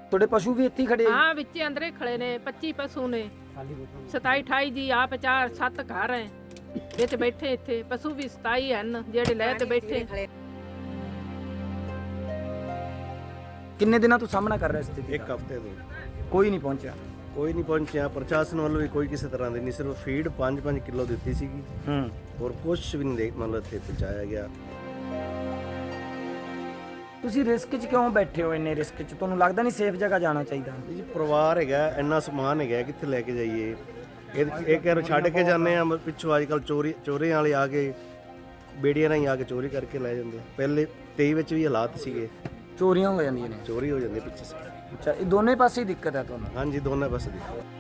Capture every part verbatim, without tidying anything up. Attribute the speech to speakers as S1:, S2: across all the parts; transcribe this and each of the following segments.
S1: ਤੁਹਾਡੇ ਪਸ਼ੂ ਵੀ ਇੱਥੇ ਹੀ ਖੜੇ ਆ?
S2: ਹਾਂ ਵਿੱਚ ਅੰਦਰੇ ਖੜੇ ਨੇ ਪੱਚੀ ਪਸ਼ੂ ਨੇ ਸਤਾਈ ਅਠਾਈ ਜੀ ਆਪ ਚਾਰ ਸੱਤ ਘਰ ਹੈ ਵਿੱਚ ਬੈਠੇ ਇੱਥੇ ਪਸ਼ੂ ਵੀ ਸਤਾਈ ਹਨ ਜਿਹੜੇ ਲੈ ਤੇ ਬੈਠੇ।
S1: ਕਿੰਨੇ ਦਿਨਾਂ ਤੋਂ ਸਾਹਮਣਾ ਕਰ ਰਿਹਾ ਸਥਿਤੀ
S3: ਇੱਕ ਹਫ਼ਤੇ ਤੋਂ
S1: ਕੋਈ ਨਹੀਂ ਪਹੁੰਚਿਆ?
S3: ਕੋਈ ਨਹੀਂ ਪਹੁੰਚਿਆ, ਪ੍ਰਸ਼ਾਸਨ ਵੱਲੋਂ ਵੀ ਕੋਈ ਕਿਸੇ ਤਰ੍ਹਾਂ ਦੀ ਨਹੀਂ, ਸਿਰਫ ਫੀਡ ਪੰਜ ਪੰਜ ਕਿਲੋ ਦਿੱਤੀ ਸੀਗੀ
S1: ਹੂੰ
S3: ਹੋਰ ਕੁਝ ਵੀ ਨਹੀਂ ਦੇ ਮਤਲਬ ਇੱਥੇ ਪਹੁੰਚਾਇਆ ਗਿਆ।
S1: ਤੁਸੀਂ ਰਿਸਕ 'ਚ ਕਿਉਂ ਬੈਠੇ ਹੋ? ਇੰਨੇ ਰਿਸਕ 'ਚ ਤੁਹਾਨੂੰ ਲੱਗਦਾ ਨਹੀਂ ਸੇਫ ਜਗ੍ਹਾ ਜਾਣਾ ਚਾਹੀਦਾ?
S3: ਜੀ ਪਰਿਵਾਰ ਹੈਗਾ, ਇੰਨਾ ਸਮਾਨ ਹੈਗਾ, ਕਿੱਥੇ ਲੈ ਕੇ ਜਾਈਏ? ਇਹ ਇਹ ਕਹਿ ਛੱਡ ਕੇ ਜਾਂਦੇ ਆ, ਪਿੱਛੋਂ ਅੱਜ ਕੱਲ੍ਹ ਚੋਰੀ ਚੋਰੀਆਂ ਵਾਲੇ ਆ ਕੇ ਬੇੜੀਆਂ ਰਾਹੀਂ ਆ ਕੇ ਚੋਰੀ ਕਰਕੇ ਲੈ ਜਾਂਦੇ ਆ। ਪਹਿਲੇ ਤੇਈ ਵਿੱਚ ਵੀ ਹਾਲਾਤ ਸੀਗੇ,
S1: ਚੋਰੀਆਂ ਹੋ ਜਾਂਦੀਆਂ ਨੇ?
S3: ਚੋਰੀ ਹੋ ਜਾਂਦੀ ਪਿੱਛੇ ਸੇ।
S1: ਅੱਛਾ, ਇਹ ਦੋਨੇ ਪਾਸੇ ਹੀ ਦਿੱਕਤ ਹੈ ਤੁਹਾਨੂੰ?
S3: ਹਾਂਜੀ ਦੋਨਾਂ ਪਾਸੇ ਦੀ।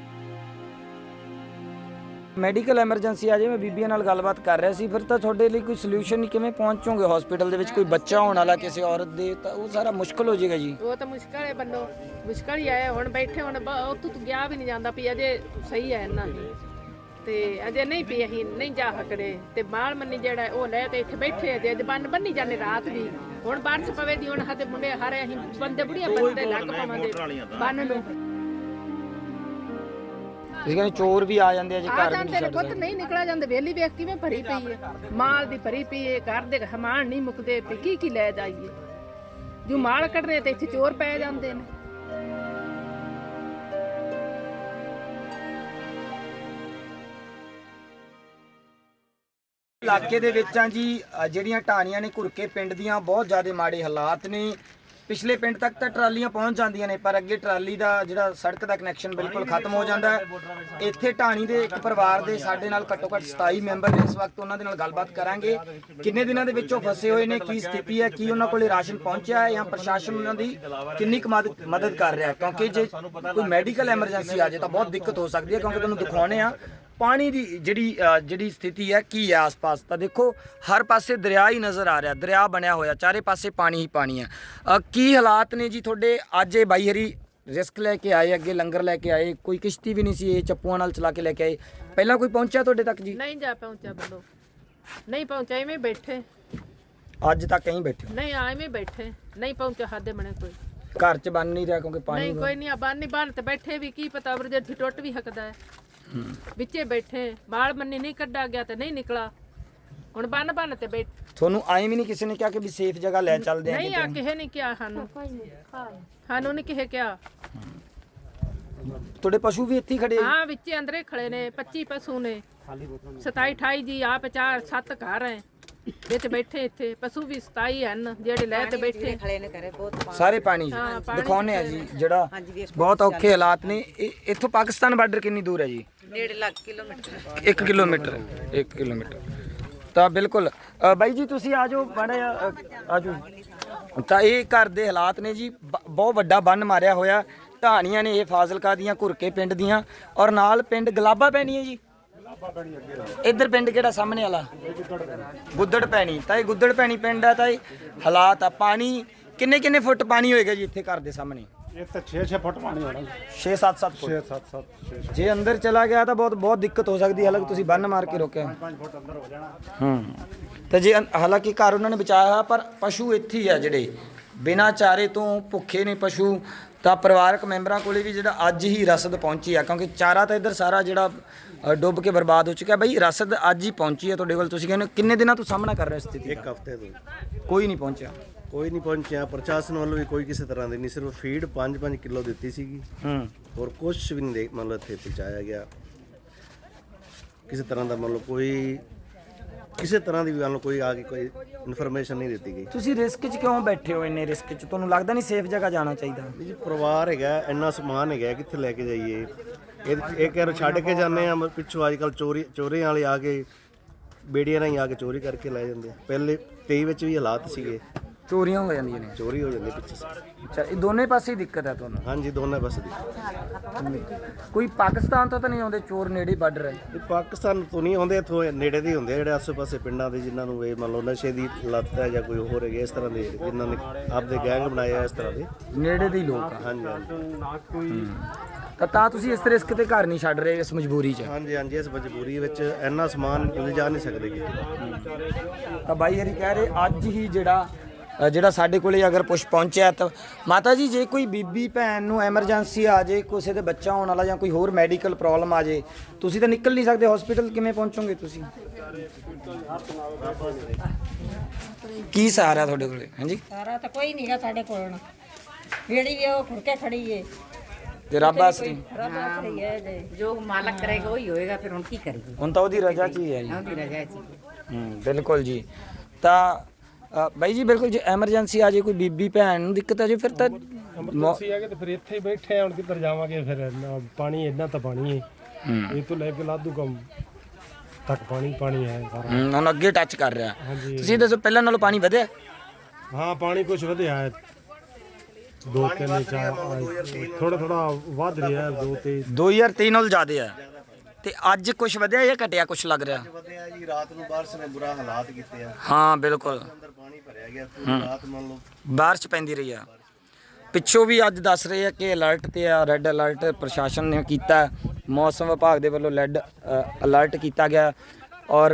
S1: ਮੈਡੀਕਲ ਐਮਰਜੈਂਸੀ ਆ ਜੇ, ਮੈਂ ਬੀਬੀਆਂ ਨਾਲ ਗੱਲਬਾਤ ਕਰ ਰਿਹਾ ਸੀ, ਫਿਰ ਤਾਂ ਤੁਹਾਡੇ ਲਈ ਕੋਈ ਸੋਲੂਸ਼ਨ ਕਿਵੇਂ ਪਹੁੰਚੋਗੇ? ਹਸਪੀਟਲ ਦੇ ਵਿੱਚ ਕੋਈ ਬੱਚਾ ਹੋਣ ਵਾਲਾ ਕਿਸੇ ਔਰਤ ਦੇ, ਤਾਂ ਉਹ ਸਾਰਾ ਮੁਸ਼ਕਲ ਹੋ ਜਾਏਗਾ ਜੀ।
S2: ਉਹ ਤਾਂ ਮੁਸ਼ਕਲ ਹੈ ਬੰਦੋ, ਮੁਸ਼ਕਲ ਹੀ ਆਇਆ ਹੁਣ ਬੈਠੇ ਹੁਣ ਉੱਥੋਂ ਤੂੰ ਗਿਆ ਵੀ ਨਹੀਂ ਜਾਂਦਾ ਵੀ ਅਜੇ ਸਹੀ ਹੈ ਇਹਨਾਂ ਦੀ ਤੇ ਅਜੇ ਨਹੀਂ ਪਈ ਅਸੀਂ ਨਹੀਂ ਜਾ ਸਕਦੇ ਤੇ ਬਾਲ ਮੰਨੀ ਜਿਹੜਾ ਉਹ ਲੈ ਤੇ ਇੱਥੇ ਬੈਠੇ ਅਜੇ ਬੰਨ ਬੰਨੀ ਜਾਂਦੇ ਰਾਤ ਵੀ। ਹੁਣ ਬਾਰਿਸ਼ ਪਵੇ ਦੀ ਹੁਣ ਹੱਥੇ ਮੁੰਡੇ ਹਾਰੇ ਅਸੀਂ ਬੰਦੇ ਬੁੜੀਆਂ ਬੰਦੇ ਲੱਗ ਪਾਵਾਂਗੇ ਬੰਨ ਨੂੰ।
S1: ਤੁਸੀਂ ਕਹਿੰਦੇ ਚੋਰ ਵੀ ਆ ਜਾਂਦੇ ਆ ਜੀ
S2: ਆ
S1: ਘਰ
S2: ਜਾਂਦੇ ਨੇ ਪੁੱਤ ਨਹੀਂ ਨਿਕਲਿਆ ਜਾਂਦੇ ਵੇਲੀ ਵੇਖ ਕਿਵੇਂ ਭਰੀ ਪਈ ਹੈ, ਮਾਲ ਦੀ ਭਰੀ ਪਈ ਹੈ, ਘਰ ਦੇ ਹਮਾਨ ਨਹੀਂ ਮੁੱਕਦੇ ਪਈ, ਕੀ ਕੀ ਲੈ ਜਾਈਏ? ਜੋ ਮਾਲ ਕੱਢਣੇ ਤੇ ਇੱਥੇ ਚੋਰ ਪੈ ਜਾਂਦੇ ਨੇ।
S1: ਇਲਾਕੇ ਦੇ ਵਿੱਚ ਆ ਜੀ, ਅ, ਜਿਹੜੀਆਂ ਢਾਣੀਆਂ ਨੇ ਘੁਰਕੇ ਪਿੰਡ ਦੀਆਂ, ਬਹੁਤ ਜ਼ਿਆਦਾ ਮਾੜੇ ਹਾਲਾਤ ਨੇ। ਪਿਛਲੇ ਪਿੰਡ ਤੱਕ ਤਾਂ ਟਰਾਲੀਆਂ ਪਹੁੰਚ ਜਾਂਦੀਆਂ ਨੇ, ਪਰ ਅੱਗੇ ਟਰਾਲੀ ਦਾ ਜਿਹੜਾ ਸੜਕ ਦਾ ਕਨੈਕਸ਼ਨ ਬਿਲਕੁਲ ਖਤਮ ਹੋ ਜਾਂਦਾ ਹੈ। ਇੱਥੇ ਢਾਣੀ ਦੇ ਇੱਕ ਪਰਿਵਾਰ ਦੇ ਸਾਡੇ ਨਾਲ ਘੱਟੋ ਘੱਟ ਸਤਾਈ ਮੈਂਬਰ ਨੇ ਇਸ ਵਕਤ, ਉਹਨਾਂ ਦੇ ਨਾਲ ਗੱਲਬਾਤ ਕਰਾਂਗੇ। ਕਿੰਨੇ ਦਿਨਾਂ ਦੇ ਵਿੱਚੋਂ ਫਸੇ ਹੋਏ ਨੇ, ਕੀ ਸਥਿਤੀ ਹੈ, ਕੀ ਉਹਨਾਂ ਕੋਲੇ ਰਾਸ਼ਨ ਪਹੁੰਚਿਆ ਹੈ ਜਾਂ ਪ੍ਰਸ਼ਾਸਨ ਉਹਨਾਂ ਦੀ ਕਿੰਨੀ ਕੁ ਮਦਦ ਮਦਦ ਕਰ ਰਿਹਾ? ਕਿਉਂਕਿ ਜੇ ਕੋਈ ਮੈਡੀਕਲ ਐਮਰਜੈਂਸੀ ਆ ਜਾਏ ਤਾਂ ਬਹੁਤ ਦਿੱਕਤ ਹੋ ਸਕਦੀ ਹੈ, ਕਿਉਂਕਿ ਤੁਹਾਨੂੰ ਦਿਖਾਉਣੇ ਆ ਪਾਣੀ ਦੀ ਜਿਹੜੀ ਜਿਹੜੀ ਸਥਿਤੀ ਹੈ ਕੀ ਹੈ ਆਸ-ਪਾਸ। ਤਾਂ ਦੇਖੋ ਹਰ ਪਾਸੇ ਦਰਿਆ ਹੀ ਨਜ਼ਰ ਆ ਰਿਹਾ, ਦਰਿਆ ਬਣਿਆ ਹੋਇਆ, ਚਾਰੇ ਪਾਸੇ ਪਾਣੀ ਹੀ ਪਾਣੀ ਹੈ। ਕੀ ਹਾਲਾਤ ਨੇ ਜੀ ਤੁਹਾਡੇ? ਅੱਜ ਇਹ ਬਾਈ ਹਰੀ ਰਿਸਕ ਲੈ ਕੇ ਆਏ, ਅੱਗੇ ਲੰਗਰ ਲੈ ਕੇ ਆਏ, ਕੋਈ ਕਿਸ਼ਤੀ ਵੀ ਨਹੀਂ ਸੀ, ਇਹ ਚੱਪੂਆਂ ਨਾਲ ਚਲਾ ਕੇ ਲੈ ਕੇ ਆਏ। ਪਹਿਲਾਂ ਕੋਈ ਪਹੁੰਚਿਆ ਤੁਹਾਡੇ ਤੱਕ ਜੀ?
S2: ਨਹੀਂ ਜਾ ਪਹੁੰਚਿਆ ਬੰਦੋ, ਨਹੀਂ ਪਹੁੰਚਿਆ, ਐਵੇਂ ਬੈਠੇ
S1: ਅੱਜ ਤੱਕ ਕहीं ਬੈਠੇ ਹੋ?
S2: ਨਹੀਂ ਐਵੇਂ ਬੈਠੇ ਨਹੀਂ ਪਹੁੰਚਿਆ ਸਾਡੇ ਬਣੇ ਕੋਈ
S1: ਘਰ 'ਚ ਬਣ ਨਹੀਂ ਰਿਹਾ ਕਿਉਂਕਿ ਪਾਣੀ
S2: ਨਹੀਂ ਕੋਈ ਨਹੀਂ ਬੰਨ ਨਹੀਂ ਬੰਨ ਤੇ ਬੈਠੇ ਵੀ ਕੀ ਪਤਾ ਵਰਜੇ ਟੁੱਟ ਵੀ ਸਕਦਾ ਹੈ। ਵਿੱਚੇ ਬੈਠੇ ਬਾਲ ਮੰਨੀ ਨਹੀਂ ਕੱਢਾ ਗਿਆ ਤੇ ਨਹੀਂ ਨਿਕਲਾ, ਹੁਣ ਬੰਨ ਬੰਨ ਤੇ ਬੈਠ।
S1: ਤੁਹਾਨੂੰ ਆਏ ਵੀ ਨਹੀਂ ਕਿਸੇ ਨੇ ਕਿਹਾ ਕਿ ਵੀ ਸੇਫ ਜਗ੍ਹਾ ਲੈ ਚੱਲਦੇ ਆ?
S2: ਨਹੀਂ ਆ ਕਿਸੇ ਨੇ ਕਿਹਾ ਸਾਨੂੰ, ਸਾਨੂੰ ਨਹੀਂ ਕਿਸੇ ਕਿਹਾ।
S1: ਤੁਹਾਡੇ ਪਸ਼ੂ ਵੀ ਇੱਥੇ ਹੀ ਖੜੇ ਆ?
S2: ਹਾਂ ਵਿੱਚੇ ਅੰਦਰੇ ਖੜੇ ਨੇ ਪੱਚੀ ਪਸ਼ੂ ਨੇ ਸਤਾਈ ਅਠਾਈ ਜੀ ਆਪ ਚਾਰ ਸੱਤ ਘਰ ਹੈ ਵਿੱਚ ਬੈਠੇ ਇੱਥੇ ਪਸ਼ੂ ਵੀ ਸਤਾਈ ਹਨ ਜਿਹੜੇ ਲੈ ਤੇ ਬੈਠੇ
S1: ਸਾਰੇ ਪਾਣੀ ਦਿਖਾਉਣੇ ਆ ਜੀ, ਜਿਹੜਾ ਬਹੁਤ ਔਖੇ ਹਾਲਾਤ ਨੇ। ਇਹ- ਇੱਥੋਂ ਪਾਕਿਸਤਾਨ ਬਾਰਡਰ ਕਿੰਨੀ ਦੂਰ ਹੈ ਜੀ?
S4: ਡੇਢ ਲੱਖ ਕਿਲੋਮੀਟਰ।
S1: ਇੱਕ ਕਿਲੋਮੀਟਰ ਇੱਕ ਕਿਲੋਮੀਟਰ ਤਾਂ ਬਿਲਕੁਲ। ਅ, ਬਾਈ ਜੀ ਤੁਸੀਂ ਆ ਜਾਓ ਮਾੜਾ ਆ ਜਾਓ। ਤਾਂ ਇਹ ਘਰ ਦੇ ਹਾਲਾਤ ਨੇ ਜੀ, ਬ- ਬਹੁਤ ਵੱਡਾ ਬੰਨ ਮਾਰਿਆ ਹੋਇਆ, ਢਾਣੀਆਂ ਨੇ ਇਹ ਫਾਜ਼ਿਲਕਾ ਦੀਆਂ ਘੁਰਕੇ ਪਿੰਡ ਦੀਆਂ, ਔਰ ਨਾਲ ਪਿੰਡ ਗਲਾਬਾ ਪੈਣੀ ਹੈ ਜੀ। ਇੱਧਰ ਪਿੰਡ ਕਿਹੜਾ ਸਾਹਮਣੇ ਵਾਲਾ? ਗੁੱਦੜ ਪੈਣੀ। ਤਾਂ ਇਹ ਗੁੱਦੜ ਪੈਣੀ ਪਿੰਡ ਆ। ਤਾਂ ਇਹ ਹਾਲਾਤ ਆ, ਪਾਣੀ ਕਿੰਨੇ ਕਿੰਨੇ ਫੁੱਟ ਪਾਣੀ ਹੋਏਗਾ ਜੀ ਇੱਥੇ ਘਰ ਦੇ ਸਾਹਮਣੇ?
S5: ਇਹ ਤਾਂ ਛੇ ਛੇ ਫੁੱਟ ਪਾਣੀ ਹੋਣਾ।
S1: ਛੇ ਸੱਤ ਸੱਤ ਫੁੱਟ।
S5: ਛੇ ਸੱਤ ਸੱਤ
S1: ਜੇ ਅੰਦਰ ਚਲਾ ਗਿਆ ਤਾਂ ਬਹੁਤ ਬਹੁਤ ਦਿੱਕਤ ਹੋ ਸਕਦੀ ਹੈ। ਹਾਲਾਂਕਿ ਤੁਸੀਂ ਬੰਨ ਮਾਰ ਕੇ ਰੋਕਿਆ।
S5: ਪੰਜ ਫੁੱਟ ਅੰਦਰ ਹੋ ਜਾਣਾ।
S1: ਹੂੰ ਤੇ ਜੇ ਹਾਲਾਂਕਿ ਘਰ ਉਹਨਾਂ ਨੇ ਬਚਾਇਆ ਹੋਇਆ, ਪਰ ਪਸ਼ੂ ਇੱਥੇ ਹੀ ਆ ਜਿਹੜੇ ਬਿਨਾਂ ਚਾਰੇ ਤੋਂ ਭੁੱਖੇ ਨੇ ਪਸ਼ੂ। ਤਾਂ ਪਰਿਵਾਰਕ ਮੈਂਬਰਾਂ ਕੋਲੇ ਵੀ ਜਿਹੜਾ ਅੱਜ ਹੀ ਰਸਦ ਪਹੁੰਚੀ ਆ, ਕਿਉਂਕਿ ਚਾਰਾ ਤਾਂ ਇੱਧਰ ਸਾਰਾ ਜਿਹੜਾ ਅ, ਡੁੱਬ ਕੇ ਬਰਬਾਦ ਹੋ ਚੁੱਕਿਆ। ਬਈ ਰਸਦ ਅੱਜ ਹੀ ਪਹੁੰਚੀ ਹੈ ਤੁਹਾਡੇ ਕੋਲ, ਤੁਸੀਂ ਕਹਿੰਦੇ ਕਿੰਨੇ ਦਿਨਾਂ ਤੋਂ ਸਾਹਮਣਾ ਕਰ ਰਹੇ ਹੋ ਸਥਿਤੀ
S3: ਇੱਕ ਹਫ਼ਤੇ ਤੋਂ
S1: ਕੋਈ ਨਹੀਂ ਪਹੁੰਚਿਆ?
S3: ਕੋਈ ਨਹੀਂ ਪਹੁੰਚਿਆ, ਪ੍ਰਸ਼ਾਸਨ ਵੱਲੋਂ ਵੀ ਕੋਈ ਕਿਸੇ ਤਰ੍ਹਾਂ ਦੀ ਨਹੀਂ, ਸਿਰਫ ਫੀਡ ਪੰਜ ਪੰਜ ਕਿਲੋ ਦਿੱਤੀ ਸੀਗੀ
S1: ਹੂੰ
S3: ਹੋਰ ਕੁਝ ਵੀ ਨਹੀਂ ਦੇ ਮਤਲਬ ਇੱਥੇ ਪਹੁੰਚਾਇਆ ਗਿਆ। ਕਿਸੇ ਤਰ੍ਹਾਂ ਦਾ ਮਤਲਬ ਕੋਈ ਕਿਸੇ ਤਰ੍ਹਾਂ ਦੀ ਵੀ ਗੱਲ ਕੋਈ ਆ ਕੇ ਕੋਈ ਇਨਫੋਰਮੇਸ਼ਨ ਨਹੀਂ ਦਿੱਤੀ ਗਈ।
S1: ਤੁਸੀਂ ਰਿਸਕ 'ਚ ਕਿਉਂ ਬੈਠੇ ਹੋ? ਇੰਨੇ ਰਿਸਕ 'ਚ ਤੁਹਾਨੂੰ ਲੱਗਦਾ ਨਹੀਂ ਸੇਫ ਜਗ੍ਹਾ ਜਾਣਾ ਚਾਹੀਦਾ?
S3: ਜੀ ਪਰਿਵਾਰ ਹੈਗਾ, ਇੰਨਾ ਸਮਾਨ ਹੈਗਾ, ਕਿੱਥੇ ਲੈ ਕੇ ਜਾਈਏ? ਇਹ ਇਹ ਕਹਿ ਛੱਡ ਕੇ ਜਾਂਦੇ ਆ, ਪਿੱਛੋਂ ਅੱਜ ਕੱਲ੍ਹ ਚੋਰੀ ਚੋਰੀਆਂ ਵਾਲੇ ਆ ਕੇ ਬੇੜੀਆਂ ਰਾਹੀਂ ਆ ਕੇ ਚੋਰੀ ਕਰਕੇ ਲੈ ਜਾਂਦੇ ਆ। ਪਹਿਲੇ ਤੇਈ ਵਿੱਚ ਵੀ ਹਾਲਾਤ ਸੀਗੇ,
S1: ਚੋਰੀਆਂ ਹੋ ਜਾਂਦੀਆਂ ਨੇ?
S3: ਚੋਰੀ ਹੋ ਜਾਂਦੀ ਪਿੱਛੇ ਸੇ।
S1: ਅੱਛਾ, ਇਹ ਦੋਨੇ ਪਾਸੇ ਹੀ ਦਿੱਕਤ ਹੈ ਤੁਹਾਨੂੰ?
S3: ਹਾਂਜੀ ਦੋਨਾਂ ਪਾਸੇ ਦੀ।
S1: ਕੋਈ ਪਾਕਿਸਤਾਨ ਤੋਂ ਤਾਂ ਨਹੀਂ ਆਉਂਦੇ ਚੋਰ? ਨੇੜੇ ਬਾਰਡਰ ਹੈ।
S3: ਇਹ ਪਾਕਿਸਤਾਨ ਤੋਂ ਨਹੀਂ ਆਉਂਦੇ, ਇੱਥੋਂ ਨੇੜੇ ਦੇ ਹੀ ਹੁੰਦੇ ਆ, ਜਿਹੜੇ ਆਸੇ ਪਾਸੇ ਪਿੰਡਾਂ ਦੇ ਜਿਨ੍ਹਾਂ ਨੂੰ ਇਹ ਮੰਨ ਲਓ ਨਸ਼ੇ ਦੀ ਲੱਤ ਹੈ ਜਾਂ ਕੋਈ ਹੋਰ ਹੈਗੇ ਇਸ ਤਰ੍ਹਾਂ ਦੇ, ਜਿਨ੍ਹਾਂ ਨੇ ਆਪਦੇ ਗੈਂਗ ਬਣਾਏ ਆ ਇਸ ਤਰ੍ਹਾਂ ਦੇ।
S1: ਨੇੜੇ ਦੇ ਹੀ ਲੋਕ ਆ।
S3: ਹਾਂਜੀ ਹਾਂਜੀ
S1: ਤਾਂ ਤਾਂ ਤੁਸੀਂ ਇਸ ਰਿਸਕ ਤੇ ਘਰ ਨਹੀਂ ਛੱਡ ਰਹੇ ਇਸ ਮਜਬੂਰੀ 'ਚ?
S3: ਹਾਂਜੀ ਹਾਂਜੀ ਇਸ ਮਜਬੂਰੀ ਵਿੱਚ ਇੰਨਾ ਸਮਾਨ ਲਿਜਾ ਨਹੀਂ ਸਕਦੇ ਕਿ।
S1: ਤਾਂ ਬਾਈ ਹਰੀ ਕਹਿ ਰਹੇ ਅੱਜ ਹੀ ਜਿਹੜਾ ਅ, ਜਿਹੜਾ ਸਾਡੇ ਕੋਲੇ ਅਗਰ ਕੁਛ ਪਹੁੰਚਿਆ ਤਾਂ ਮਾਤਾ ਜੀ ਜੇ ਕੋਈ ਬੀਬੀ ਭੈਣ ਨੂੰ ਐਮਰਜੈਂਸੀ ਆ ਜੇ ਕਿਸੇ ਦੇ ਬੱਚਾ ਹੋਣ ਵਾਲਾ ਜਾਂ ਕੋਈ ਹੋਰ ਮੈਡੀਕਲ ਪ੍ਰੋਬਲਮ ਆ ਜੇ ਤੁਸੀਂ ਤਾਂ ਨਿਕਲ ਨਹੀਂ ਸਕਦੇ ਹਸਪੀਟਲ ਕਿਵੇਂ ਪਹੁੰਚੋਗੇ ਤੁਸੀਂ ਕੀ ਸਹਾਰਾ ਤੁਹਾਡੇ ਕੋਲੇ ਹਾਂਜੀ
S6: ਸਾਰਾ ਤਾਂ ਕੋਈ ਨਹੀਂਗਾ ਸਾਡੇ ਕੋਲ ਜਿਹੜੀ ਵੀ ਉਹ ਖੁਰਕੇ ਖੜੀ ਏ
S1: ਤੇ ਰੱਬ ਆਸਰੀ
S6: ਰੱਬ ਆਸਰੀ ਹੈ ਜੇ
S4: ਜੋ ਮਾਲਕ ਕਰੇਗਾ ਉਹੀ ਹੋਏਗਾ, ਫਿਰ ਹੁਣ ਕੀ ਕਰੀਏ?
S1: ਹੁਣ ਤਾਂ ਉਹਦੀ ਰਜ਼ਾ 'ਚ ਹੀ ਹੈ ਜੀ
S4: ਉਹਦੀ ਰਜ਼ਾ ਜੀ।
S1: ਹੂੰ ਬਿਲਕੁਲ ਜੀ ਤਾਂ ਅ, ਬਾਈ ਜੀ ਬਿਲਕੁਲ ਜੇ ਐਮਰਜੈਂਸੀ ਆ ਜੇ ਕੋਈ ਬੀਬੀ ਭੈਣ ਨੂੰ ਦਿੱਕਤ ਆ ਜੇ ਫਿਰ ਤਾਂ ਮੌ-
S7: ਅਸੀਂ ਹੈਗੇ ਤੇ ਫਿਰ ਇੱਥੇ ਹੀ ਬੈਠੇ ਆ ਹੁਣ ਕਿੱਧਰ ਜਾਵਾਂਗੇ ਫਿਰ ਇੰਨਾ ਪਾਣੀ ਇੰਨਾ ਤਾਂ ਪਾਣੀ ਹੈ
S1: ਹੂੰ
S7: ਇਹ ਤੋਂ ਲੈ ਕੇ ਲਾਧੂ ਕੰਮ ਤੱਕ ਪਾਣੀ ਪਾਣੀ ਹੈ ਸਾਰਾ।
S1: ਹੂੰ, ਹੁਣ ਅੱਗੇ ਟੱਚ ਕਰ ਰਿਹਾ
S7: ਹਾਂਜੀ
S1: ਤੁਸੀਂ ਦੱਸੋ ਪਹਿਲਾਂ ਨਾਲੋਂ ਪਾਣੀ ਵਧਿਆ
S7: ਹਾਂ ਪਾਣੀ ਕੁਝ ਵਧਿਆ ਹੈ ਦੋ ਤਿੰਨ ਚਾਰ ਥੋੜਾ ਥੋੜਾ ਵੱਧ ਰਿਹਾ ਹੈ, ਦੋ ਤੇ
S1: ਦੋ ਹਜ਼ਾਰ ਤੇਈ ਨਾਲ ਜ਼ਿਆਦਾ ਆ ਤੇ ਅੱਜ ਕੁਝ ਵਧਿਆ ਜਾਂ ਘਟਿਆ ਕੁਝ ਲੱਗ ਰਿਹਾ
S3: ਵਧਿਆ ਜੀ ਰਾਤ ਨੂੰ ਬਾਰਿਸ਼ ਨੇ ਬੁਰਾ ਹਾਲਾਤ ਕੀਤੇ ਆ
S1: ਹਾਂ ਬਿਲਕੁਲ
S3: ਅੰਦਰ ਪਾਣੀ ਭਰਿਆ ਗਿਆ ਪੂਰੀ ਰਾਤ ਮੰਨ ਲਓ
S1: ਬਾਰਿਸ਼ ਪੈਂਦੀ ਰਹੀ ਆ ਪਿੱਛੋਂ ਵੀ ਅੱਜ ਦੱਸ ਰਹੇ ਆ ਕਿ ਅਲਰਟ ਤੇ ਆ ਰੈੱਡ ਅਲਰਟ ਪ੍ਰਸ਼ਾਸਨ ਨੇ ਕੀਤਾ ਮੌਸਮ ਵਿਭਾਗ ਦੇ ਵੱਲੋਂ ਰੈੱਡ ਅਲਰਟ ਕੀਤਾ ਗਿਆ ਔਰ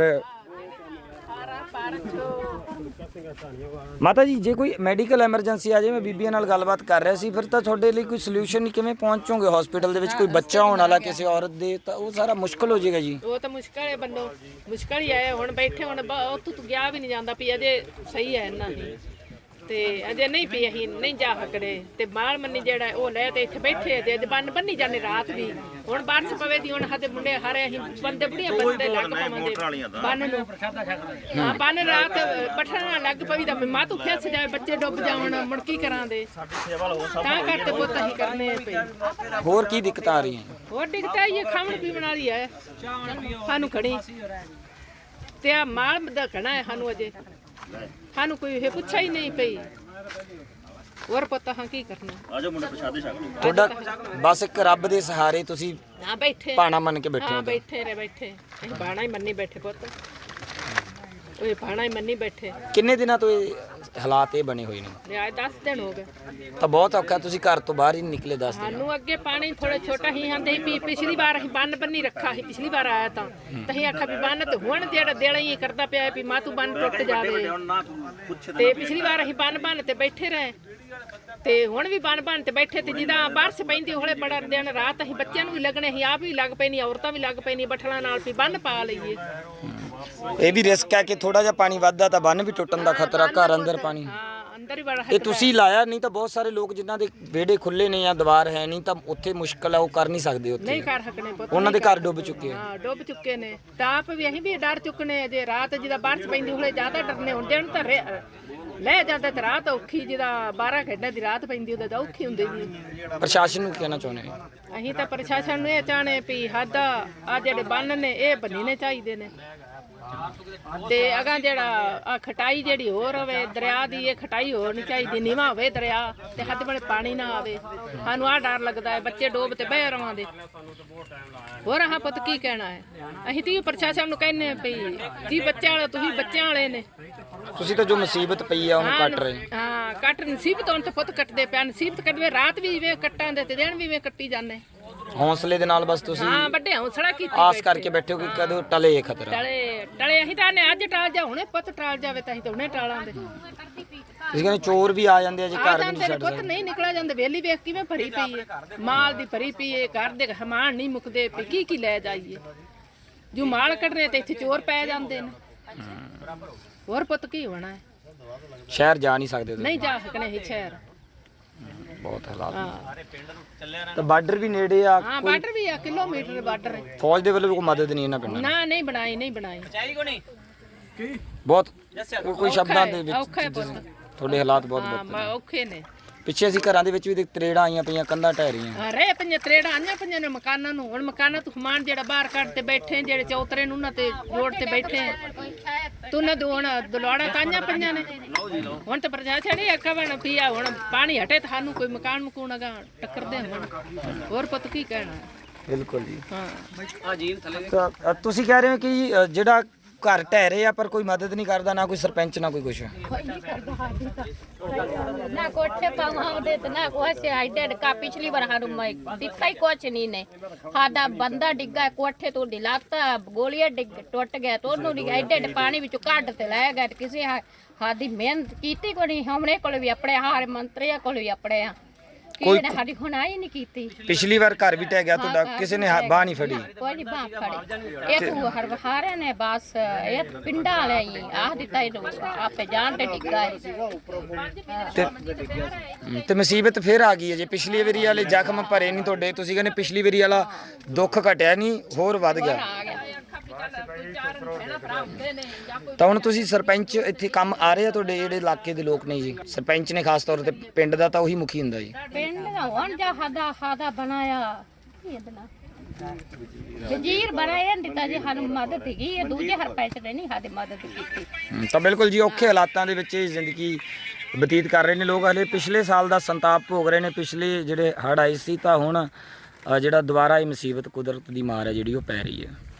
S1: ਮਾਤਾ ਜੀ ਜੇ ਕੋਈ ਮੈਡੀਕਲ ਐਮਰਜੈਂਸੀ ਆ ਜੇ ਮੈਂ ਬੀਬੀਆਂ ਨਾਲ ਗੱਲਬਾਤ ਕਰ ਰਿਹਾ ਸੀ ਫਿਰ ਤਾਂ ਤੁਹਾਡੇ ਲਈ ਕੋਈ ਸੋਲੂਸ਼ਨ ਨਹੀਂ ਕਿਵੇਂ ਪਹੁੰਚੋਗੇ ਹਸਪੀਟਲ ਦੇ ਵਿੱਚ ਕੋਈ ਬੱਚਾ ਹੋਣ ਵਾਲਾ ਕਿਸੇ ਔਰਤ ਦੇ ਤਾਂ ਉਹ ਸਾਰਾ ਮੁਸ਼ਕਲ ਹੋ ਜਾਏਗਾ ਜੀ
S2: ਉਹ ਤਾਂ ਮੁਸ਼ਕਲ ਹੈ ਬੰਦੋ ਮੁਸ਼ਕਲ ਹੀ ਆਇਆ ਹੁਣ ਬੈਠੇ ਹੁਣ ਬ- ਉੱਥੋਂ ਤੂੰ ਗਿਆ ਵੀ ਨਹੀਂ ਜਾਂਦਾ ਵੀ ਅਜੇ ਸਹੀ ਹੈ ਇੰਨਾ ਹੀ ਤੇ ਅਜੇ ਨਹੀਂ ਪਈ ਅਸੀਂ ਨਹੀਂ ਜਾ ਸਕਦੇ ਤੇ ਮਾਲ ਮੰਨੀ ਜਿਹੜਾ ਉਹ ਲੈ ਤੇ ਇੱਥੇ ਬੈਠੇ ਤੇ ਅੱਜ ਬੰਨ ਬੰਨੀ ਜਾਂਦੇ ਰਾਤ ਵੀ ਹੁਣ ਬਾਰਿਸ਼ ਪਵੇ ਦੀ ਹੁਣ ਸਾਡੇ ਮੁੰਡੇ ਹਾਰੇ ਅਸੀਂ ਬੰਦੇ ਬੁੜੀਆਂ ਬੰਦੇ ਲੱਗ ਪਵਾਂਗੇ ਬੰਨ ਨੂੰ ਹਾਂ ਬੰਨ ਰਾਤ ਪਠਣਾ ਲੱਗ ਪਈ ਤਾਂ ਮਾਂ ਤੂੰ ਫਿਸ ਜਾਵੇ ਬੱਚੇ ਡੁੱਬ ਜਾਵਣ ਮੁੜ ਕੀ ਕਰਾਂਦੇ ਤਾਂ ਕਰਕੇ ਪੁੱਤ ਅਸੀਂ ਕਰਨੇ ਪਈ
S1: ਹੋਰ ਕੀ ਦਿੱਕਤਾਂ ਆ ਰਹੀਆਂ
S2: ਹੋਰ ਡਿੱਗਤਾ ਇਹ ਖਾਣ ਪੀਣ ਵਾਲੀ ਹੈ ਸਾਨੂੰ ਖੜੀ ਤੇ ਆ ਮਾਲ ਦਾ ਖਣਾ ਹੈ ਸਾਨੂੰ ਅਜੇ ਸਾਨੂੰ ਕੋਈ ਇਹ ਪੁੱਛਿਆ ਹੀ ਨਹੀਂ ਪਈ ਹੋਰ ਪਤਾ ਹਾਂ ਕੀ ਕਰਨਾ
S1: ਤੁਹਾਡਾ ਬਸ ਇੱਕ ਰੱਬ ਦੇ ਸਹਾਰੇ ਤੁਸੀਂ
S2: ਨਾ ਬੈਠੇ
S1: ਪਾਣਾ ਮੰਨ ਕੇ ਬੈਠੇ
S2: ਹਾਂ
S1: ਹੋ
S2: ਬੈਠੇ ਰੇ ਬੈਠੇ ਅਸੀਂ ਬਾਣਾ ਹੀ ਮੰਨੀ ਬੈਠੇ ਪੁੱਤ ਉਹ ਬਾਣਾ ਹੀ ਮੰਨੀ ਬੈਠੇ
S1: ਕਿੰਨੇ ਦਿਨਾਂ ਤੋਂ ਇਹ ਹਾਲਾਤ ਇਹ ਬਣੇ ਹੋਏ ਨੇ
S2: ਰਿਆਜ ਦਸ ਦਿਨ ਹੋ ਗਏ
S1: ਤਾਂ ਬਹੁਤ ਔਖਾ ਤੁਸੀਂ ਘਰ ਤੋਂ ਬਾਹਰ ਹੀ ਨਹੀਂ ਨਿਕਲੇ ਦੱਸ ਦਿਨ
S2: ਸਾਨੂੰ ਅੱਗੇ ਪਾਣੀ ਥੋੜਾ ਛੋਟਾ ਹੀ ਆਂਦੇ ਸੀ ਵੀ ਪਿਛਲੀ ਵਾਰ ਅਸੀਂ ਬੰਨ ਬੰਨੀ ਰੱਖਾ ਸੀ ਪਿਛਲੀ ਵਾਰ ਆਇਆ ਤਾਂ ਤਾਂ ਅਸੀਂ ਆਖਿਆ ਵੀ ਬੰਨ ਤੇ ਹੁਣ ਜਿਹੜਾ ਦੇਲਾ ਹੀ ਕਰਦਾ ਪਿਆ ਵੀ ਮਾਂ ਤੂੰ ਬੰਨ ਟੁੱਟ ਜਾਵੇ ਤੇ ਪਿਛਲੀ ਵਾਰ ਅਸੀਂ ਬੰਨ ਬੰਨ ਤੇ ਬੈਠੇ ਰਹੇ ਤੇ ਹੁਣ ਵੀ ਬੰਨ ਬੰਨ ਤੇ ਬੈਠੇ ਤੇ ਜਿਹਦਾ ਬਾਰਿਸ਼ ਪੈਂਦੀ ਹੋਲੇ ਬੜਾ ਦਿਨ ਰਾਤ ਅਸੀਂ ਬੱਚਿਆਂ ਨੂੰ ਵੀ ਲੱਗਣੇ ਅਸੀਂ ਆਪ ਵੀ ਲੱਗ ਪੈਣੀ ਔਰਤਾਂ ਵੀ ਲੱਗ ਪੈਣੀ ਬੱਠਲਾਂ ਨਾਲ ਵੀ ਬੰਨ ਪਾ ਲਈਏ
S1: ਇਹ ਵੀ ਰਿਸਕ ਹੈ ਕਿ ਥੋੜਾ ਜਿਹਾ ਪਾਣੀ ਵੱਧਦਾ ਤਾਂ ਬੰਨ ਵੀ ਟੁੱਟਣ ਦਾ ਖਤਰਾ ਘਰ ਅੰਦਰ ਪਾਣੀ
S2: ਹਾਂ ਅੰਦਰ ਹੀ ਬੜਾ
S1: ਇਹ ਤੁਸੀਂ ਲਾਇਆ ਨਹੀਂ ਤਾਂ ਬਹੁਤ ਸਾਰੇ ਲੋਕ ਜਿਨ੍ਹਾਂ ਦੇ ਵਿਹੜੇ ਖੁੱਲੇ ਨੇ ਜਾਂ ਦੀਵਾਰ ਹੈ ਨਹੀਂ ਤਾਂ ਉੱਥੇ ਮੁਸ਼ਕਲ ਹੈ ਉਹ ਕਰ ਨਹੀਂ ਸਕਦੇ ਉੱਥੇ
S2: ਨਹੀਂ ਕਰ ਸਕਣੇ ਪੁੱਤ
S1: ਉਹਨਾਂ ਦੇ ਘਰ ਡੁੱਬ ਚੁੱਕੇ ਆ
S2: ਹਾਂ ਡੁੱਬ ਚੁੱਕੇ ਨੇ ਤਾਂ ਆਪ ਵੀ ਅਸੀਂ ਵੀ ਡਰ ਚੁੱਕਨੇ ਜੇ ਰਾਤ ਜਿਹਦਾ ਬਾਰਿਸ਼ ਪੈਂਦੀ ਹੋਲੇ ਜ਼ਿਆਦਾ ਡਰਨੇ ਹੁਣ ਦਿਨ ਤਾਂ ਰੇ- ਲੈ ਜਾਂਦਾ ਤੇ ਰਾਤ ਔਖੀ ਜਿਹਦਾ ਬਾਰਾਂ ਘੰਟੇ ਦੀ ਰਾਤ ਪੈਂਦੀ ਉਹਦਾ ਤਾਂ ਔਖੀ ਹੁੰਦੀ ਜੀ
S1: ਪ੍ਰਸ਼ਾਸਨ ਨੂੰ ਕਹਿਣਾ ਚਾਹੁੰਦੇ ਆ
S2: ਅਸੀਂ ਤਾਂ ਪ੍ਰਸ਼ਾਸਨ ਨੂੰ ਇਹ ਚਾਹਣੇ ਵੀ ਹੱਦ ਆ ਜਿਹੜੇ ਬੰਨ ਨੇ ਇਹ ਬੰਨਣੇ ਚਾਹੀਦੇ ਨੇ ਤੇ ਅਗਾਂ ਜਿਹੜਾ ਆ ਖਟਾਈ ਜਿਹੜੀ ਹੋਰ ਹੋਵੇ ਦਰਿਆ ਦੀ ਇਹ ਖਟਾਈ ਹੋਰ ਨਹੀਂ ਚਾਹੀਦੀ ਨੀਵਾਂ ਹੋਵੇ ਦਰਿਆ ਤੇ ਹੱਦ ਬਣੇ ਪਾਣੀ ਨਾ ਆਵੇ ਸਾਨੂੰ ਆ ਡਰ ਲੱਗਦਾ ਹੈ ਬੱਚੇ ਡੋਬ ਤੇ ਬਹਿ ਰਵਾਂਦੇ ਹੋਰ ਆਹ ਪੁੱਤ ਕੀ ਕਹਿਣਾ ਹੈ ਅਸੀਂ ਤੇ ਪ੍ਰਸ਼ਾਸਨ ਨੂੰ ਕਹਿੰਨੇ ਵੀ ਜੀ ਬੱਚਿਆਂ ਵਾਲੇ ਤੁਸੀਂ ਬੱਚਿਆਂ ਵਾਲੇ ਨੇ
S1: ਤੁਸੀਂ ਤਾਂ ਜੋ ਮੁਸੀਬਤ ਪਈ ਆ ਉਹਨੂੰ ਕੱਟ ਰਹੇ
S2: ਹਾਂ ਕੱਟ ਨਸੀਬਤ ਹੁਣ ਤੇ ਪੁੱਤ ਕੱਟਦੇ ਪਿਆ ਨਸੀਬਤ ਕੱਟਵੇ ਰਾਤ ਵੀ ਵੇ ਕੱਟਾਂ ਦੇ ਤੇ ਦਿਨ ਵੀ ਵੇ ਕੱਟੀ ਜਾਂਦੇ
S1: ਹੌਸਲੇ ਦੇ ਨਾਲ ਬਸ ਤੁਸੀਂ
S2: ਹਾਂ ਵੱਡੇ ਹੌਸਲਾ ਕੀਤੀ
S1: ਆਸ ਕਰਕੇ ਬੈਠੇ ਹੋ ਕਿ ਕਦੋਂ ਟਲੇ ਇਹ ਖਤਰਾ
S2: ਟਲੇ ਟਲੇ ਅਸੀਂ ਤਾਂ ਨੇ ਅੱਜ ਟਾਲ ਜਾ ਹੁਣੇ ਪੁੱਤ ਟਾਲ ਜਾਵੇ ਤਾਂ ਅਸੀਂ ਤਾਂ ਹੁਣੇ ਟਾਲਾਂਗੇ
S1: ਤੁਸੀਂ ਕਹਿੰਦੇ ਚੋਰ ਵੀ ਆ ਜਾਂਦੇ ਆ ਜੇ
S2: ਆ
S1: ਘਰ ਵੀ
S2: ਜਾਂਦੇ
S1: ਨਹੀਂ
S2: ਨੇ
S1: ਛੱਡ
S2: ਪੁੱਤ ਨਹੀਂ ਨਿਕਲਿਆ ਜਾਂਦੇ ਵੇਲੀ ਵੇਖ ਕਿਵੇਂ ਭਰੀ ਪਈ ਹੈ ਮਾਲ ਦੀ ਭਰੀ ਪਈ ਹੈ ਘਰ ਦੇ ਹਮਾਨ ਨਹੀਂ ਮੁੱਕਦੇ ਪਈ ਕੀ ਕੀ ਲੈ ਜਾਈਏ ਜੋ ਮਾਲ ਕੱਢਨੇ ਤੇ ਇੱਥੇ ਚੋਰ ਪੈ ਜਾਂਦੇ ਨੇ ਹੋਰ ਪੁੱਤ ਕੀ ਹੋਣਾ ਹੈ
S1: ਸ਼ਹਿਰ ਜਾ ਨਹੀਂ ਸਕਦੇ ਤੁਸੀਂ
S2: ਨਹੀਂ ਜਾ ਸਕਣੇ ਇਹ ਸ਼ਹਿਰ
S1: ਬਹੁਤ ਹਾਲਾਤ ਨੇ।
S2: ਹਾਂ
S1: ਤਾਂ ਬਾਰਡਰ ਵੀ ਨੇੜੇ ਆ
S2: ਹਾਂ ਬਾਰਡਰ ਵੀ ਆ ਕਿਲੋਮੀਟਰ ਬਾਰਡਰ ਹੈ
S1: ਫੌਜ ਦੇ ਵੱਲੋਂ ਵੀ ਕੋਈ ਮਦਦ ਨਹੀਂ ਇਹਨਾਂ ਪਿੰਡਾਂ
S2: ਨਾ ਨਹੀਂ ਬਣਾਈ ਨਹੀਂ ਬਣਾਈ
S1: ਦੀ। ਬਹੁਤ ਕੋਈ- ਕੋਈ ਸ਼ਬਦਾਂ ਦੇ
S2: ਔਖਾ ਹੈ
S1: ਵਿੱਚ
S2: ਪੁੱਤ
S1: ਤੁਹਾਡੇ ਹਾਲਾਤ ਬਹੁਤ
S2: ਹਾਂ
S1: ਬਹੁਤ
S2: ਮ- ਔਖੇ ਨੇ
S1: ਪਿੱਛੇ ਅਸੀਂ ਘਰਾਂ ਦੇ ਵਿੱਚ ਵੀ ਦੇਖ ਤਰੇੜਾਂ ਆਈਆਂ ਪਈਆਂ ਕੰਧਾਂ ਢਹਿ ਰਹੀਆਂ
S2: ਹਾਂ ਰਹਿ ਪੰਜਾਂ ਤਰੇੜਾਂ ਆਈਆਂ ਪੰਜਾਂ ਨੇ ਮਕਾਨਾਂ ਨੂੰ ਹੁਣ ਮਕਾਨਾਂ ਤੋਂ ਸਮਾਨ ਜਿਹੜਾ ਬਾਹਰ ਕੱਢ ਤੇ ਬੈਠੇ ਜਿਹੜੇ ਚੌਤਰੇ ਨੂੰ ਉਹਨਾਂ ਤੇ ਜੋੜ ਤੇ ਬੈਠੇ ਤੂੰ ਨਾ ਦੋ ਹੁਣ ਦਲਵਾੜਾ ਕਾਈਆਂ ਪੰਜਾਂ ਨੇ ਹੁਣ ਤਾਂ ਪ੍ਰਸ਼ਾਸਨ ਇਹ ਕਵਣ ਪੀਆ ਹੁਣ ਪਾਣੀ ਹਟੇ ਤਾਂ ਸਾਨੂੰ ਕੋਈ ਮਕਾਨ ਮਕੂਨ ਅਗਾ ਟੱਕਰਦੇ ਹੁਣ ਹੋਰ ਪੁੱਤ ਕੀ ਕਹਿਣਾ
S1: ਬਿਲਕੁਲ ਜੀ
S2: ਹਾਂ
S1: ਤਾਂ ਅ, ਤੁਸੀਂ ਕਹਿ ਰਹੇ ਹੋ ਕਿ ਅ, ਜਿਹੜਾ ਘਰ ਢਹਿ ਰਹੇ ਆ ਪਰ ਕੋਈ ਮਦਦ ਨਹੀਂ ਕਰਦਾ, ਨਾ ਕੋਈ ਸਰਪੰਚ ਨਾ ਕੋਈ ਕੁਛ।
S8: ਨਾ ਕੋਠੇ ਪਾਵਾਂਦੇ ਤੇ ਨਾ ਕੁਛ ਆਈਡੈਂਟ ਕਾ ਪਿਛਲੀ ਵਾਰ ਸਾਨੂੰ ਮੈਂ ਦਿੱਤਾ ਹੀ ਕੁਛ ਨਹੀਂ ਨੇ। ਸਾਡਾ ਬੰਦਾ ਡਿੱਗਾ ਕੋਠੇ ਤੋਂ ਦਿਲਾਤਾ ਗੋਲੀਆਂ ਡਿੱਗ ਟੁੱਟ ਗਿਆ ਤੇ ਉਹਨੂੰ ਨਹੀਂ ਆਈਡੈਂਟ ਪਾਣੀ ਵਿੱਚੋਂ ਕੱਢ ਤੇ ਲੈ ਗਏ। ਕਿਸੇ ਸਾਡੀ ਮਿਹਨਤ ਕੀਤੀ ਕੋਈ ਨਹੀਂ, ਹਮਣੇ ਕੋਲ ਵੀ ਆਪਣੇ ਹਾਰ ਮੰਤਰੀਆਂ ਕੋਲ ਵੀ ਆਪਣੇ ਆ, ਕਿਸੇ ਨੇ ਸਾਡੀ ਹੁਣਾਈ ਨਹੀਂ ਕੀਤੀ।
S1: ਪਿਛਲੀ ਵਾਰ ਘਰ ਵੀ ਢਹਿ ਗਿਆ ਤੁਹਾਡਾ, ਕਿਸੇ ਨੇ ਬਾਹ ਨਹੀਂ ਫੜੀ?
S8: ਕੋਈ ਨਹੀਂ ਬਾਹ ਫੜੀ। ਇਹ ਤੂੰ ਹਰ ਹਾਰੇ ਨੇ ਬਸ ਇਹ ਪਿੰਡਾਂ ਵਾਲੇ ਹੀ ਆਹ ਦਿੱਤਾ ਇਹਨੂੰ ਆਪੇ ਜਾਣ ਤੇ ਡਿੱਗਾ ਹੈ।
S1: ਤੇ ਤੇ ਮੁਸੀਬਤ ਫੇਰ ਆ ਗਈ ਹੈ ਜੇ ਪਿਛਲੀ ਵਾਰੀ ਵਾਲੇ ਜ਼ਖਮ ਭਰੇ ਨਹੀਂ ਤੁਹਾਡੇ, ਤੁਸੀਂ ਕਹਿੰਦੇ ਪਿਛਲੀ ਵਾਰੀ ਵਾਲਾ ਦੁੱਖ ਘਟਿਆ ਨਹੀਂ, ਹੋਰ ਵੱਧ ਗਿਆ। ਤਾਂ ਹੁਣ ਤੁਸੀਂ ਸਰਪੰਚ ਇੱਥੇ ਕੰਮ ਆ ਰਹੇ ਆ ਤੁਹਾਡੇ ਜਿਹੜੇ ਇਲਾਕੇ ਦੇ ਲੋਕ ਨੇ ਜੀ? ਸਰਪੰਚ ਨੇ ਖਾਸ ਤੌਰ ਤੇ ਪਿੰਡ ਦਾ ਤਾਂ ਉਹੀ ਮੁਖੀ ਹੁੰਦਾ ਜੀ।
S8: ਪਿੰਡ ਦਾ ਹੁਣ ਜਾ ਸਾਡਾ ਸਾਦਾ ਬਣਾਇਆ ਇਹ ਬਣਾ ਵਜ਼ੀਰ ਬਣਾਇਆ ਦਿੱਤਾ ਜੀ ਸਾਨੂੰ ਮਦਦ ਹੈਗੀ ਇਹ ਦੂਜੇ ਸਰਪੰਚ ਨੇ ਨਹੀਂ ਸਾਡੀ ਮਦਦ ਕੀਤੀ।
S1: ਹਮ, ਤਾਂ ਬਿਲਕੁਲ ਜੀ ਔਖੇ ਹਾਲਾਤਾਂ ਦੇ ਵਿੱਚ ਇਹ ਜ਼ਿੰਦਗੀ ਬਤੀਤ ਕਰ ਰਹੇ ਨੇ ਲੋਕ। ਹਲੇ ਪਿਛਲੇ ਸਾਲ ਦਾ ਸੰਤਾਪ ਭੋਗ ਰਹੇ ਨੇ, ਪਿਛਲੇ ਜਿਹੜੇ ਹੜ੍ਹ ਆਏ ਸੀ, ਤਾਂ ਹੁਣ ਅ, ਜਿਹੜਾ ਦੁਬਾਰਾ ਇਹ ਮੁਸੀਬਤ ਕੁਦਰਤ ਦੀ ਮਾਰ ਹੈ ਜਿਹੜੀ ਉਹ ਪੈ ਰਹੀ ਹੈ।